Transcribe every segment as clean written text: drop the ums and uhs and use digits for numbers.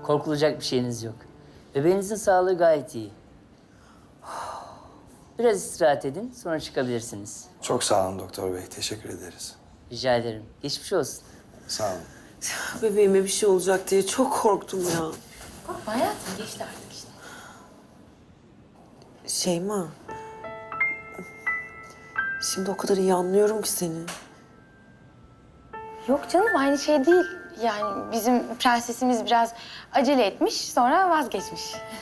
Korkulacak bir şeyiniz yok. Bebeğinizin sağlığı gayet iyi. Biraz istirahat edin, sonra çıkabilirsiniz. Çok sağ olun doktor bey. Teşekkür ederiz. Rica ederim. Geçmiş olsun. Sağ olun. Bebeğime bir şey olacak diye çok korktum ya. Korkma hayatım, geçti artık işte. Şeyma. Şimdi o kadar iyi anlıyorum ki seni. Yok canım, aynı şey değil. Yani bizim prensesimiz biraz acele etmiş, sonra vazgeçmiş.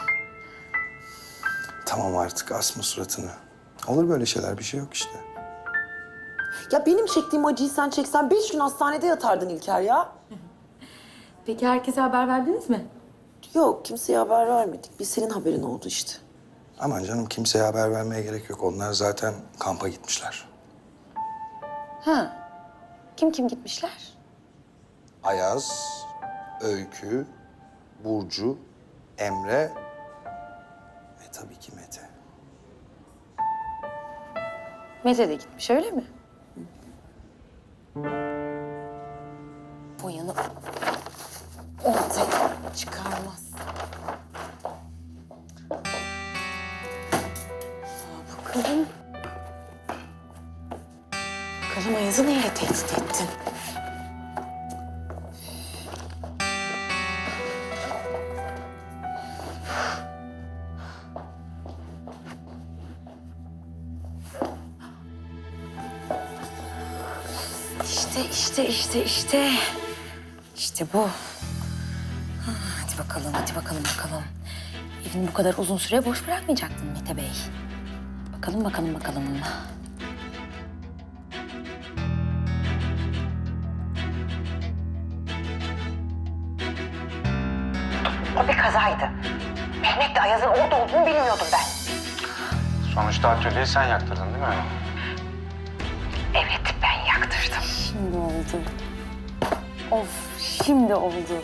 Tamam artık asma suratını. Olur böyle şeyler, bir şey yok işte. Ya benim çektiğim acıyı sen çeksen 5 gün hastanede yatardın İlker ya. Peki herkese haber verdiniz mi? Yok, kimseye haber vermedik. Bir senin haberin oldu işte. Aman canım, kimseye haber vermeye gerek yok. Onlar zaten kampa gitmişler. Ha. Kim gitmişler? Ayaz, Öykü, Burcu, Emre ve tabii ki Mete. Mete de gitmiş, öyle mi? Boyanı ortaya çıkarmaz. Bakalım. Bakalım Ayaz'ı neyle tehdit ettin? İşte bu. Hadi bakalım. Evini bu kadar uzun süre boş bırakmayacaktın Mete Bey. Bakalım. O bir kazaydı. Mehmet'le Ayaz'ın orada olduğunu bilmiyordum ben. Sonuçta atölyeyi sen yaktırdın değil mi? Evet, ben yaktırdım. Şimdi oldu. Of, şimdi oldu.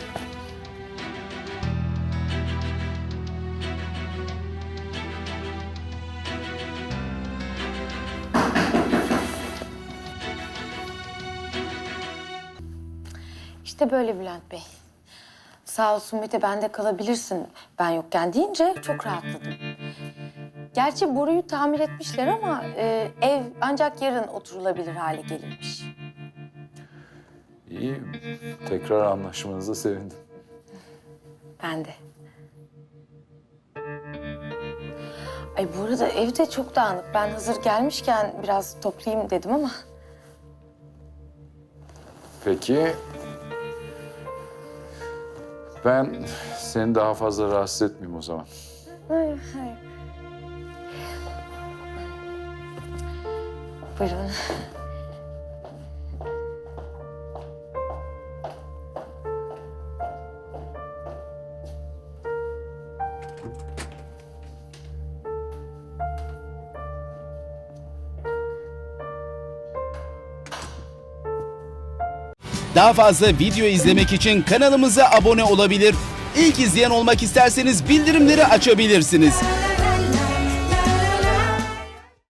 İşte böyle Bülent Bey. Sağ olsun Mete, bende kalabilirsin ben yokken deyince çok rahatladım. Gerçi boruyu tamir etmişler ama ev ancak yarın oturulabilir hale gelirmiş. İyi. Tekrar anlaşmanıza sevindim. Ben de. Ay bu arada ev de çok dağınık. Ben hazır gelmişken biraz toplayayım dedim ama. Peki. Ben seni daha fazla rahatsız etmeyeyim o zaman. Hayır. Buyurun. Daha fazla video izlemek için kanalımıza abone olabilir. İlk izleyen olmak isterseniz bildirimleri açabilirsiniz.